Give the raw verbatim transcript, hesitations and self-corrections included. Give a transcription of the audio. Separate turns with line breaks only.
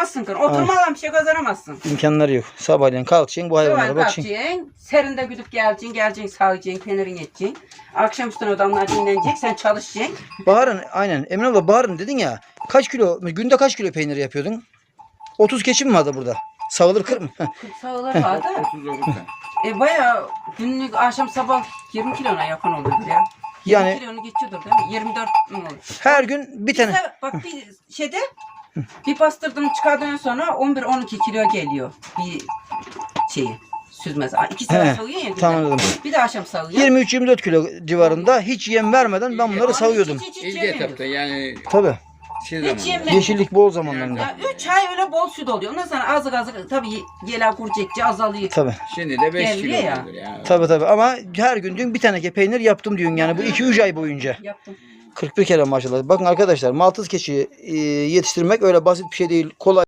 kazanamazsın. Oturmadan bir şey kazanamazsın.
İmkanları yok. Sabahleyin kalkacaksın bu hayvanlara bakacaksın.
Kalkacaksın. Serinde güdüp geleceksin. Geleceksin sağacaksın. Peynirini edeceksin. Akşam üstüne adamlar dinlenecek. Sen çalışacaksın.
Bahar'ın aynen. Emine abla Bahar'ın dedin ya. Kaç kilo, günde kaç kilo peynir yapıyordun? otuz keçi mi vardı burada? Sağılır kırk mı?
kırk sağlar vardı.
otuz olursa.
E bayağı günlük akşam sabah yirmi kilona yakın oluyor ya.
Yani-
yirmi kilonu geçiyordur değil mi? yirmi dört mi olur?
Her gün bir tane.
Bize, bak bir şeyde bir bastırdım çıkardıktan sonra on bir on iki kilo geliyor bir şeyi süzmez. İki
He,
saat sağıyor ya günde.
tamam anladım.
Bir de akşam sağıyor.
yirmi üç yirmi dört kilo civarında hiç yem vermeden ben bunları
Hiç-
savuyordum.
hiç- hiç
İlk
yemiyoruz.
etapta yani
Tabii.
şey
Hiç
zamanında.
yemiyoruz.
Yeşillik bol zamanlarında.
Ya üç ay öyle bol süt oluyor. Ondan sonra azık azık tabii yela kurcekçe azalıyor.
Tabii.
Şimdi de beş
Geliyor
kilo
ya.
olur ya.
Tabii tabii ama her gün diyorsun bir tane peynir yaptım diyorsun yani bu iki üç ay boyunca.
Yaptım.
kırk bir kere maşallah. Bakın arkadaşlar maltız keçi e, yetiştirmek öyle basit bir şey değil. Kolay.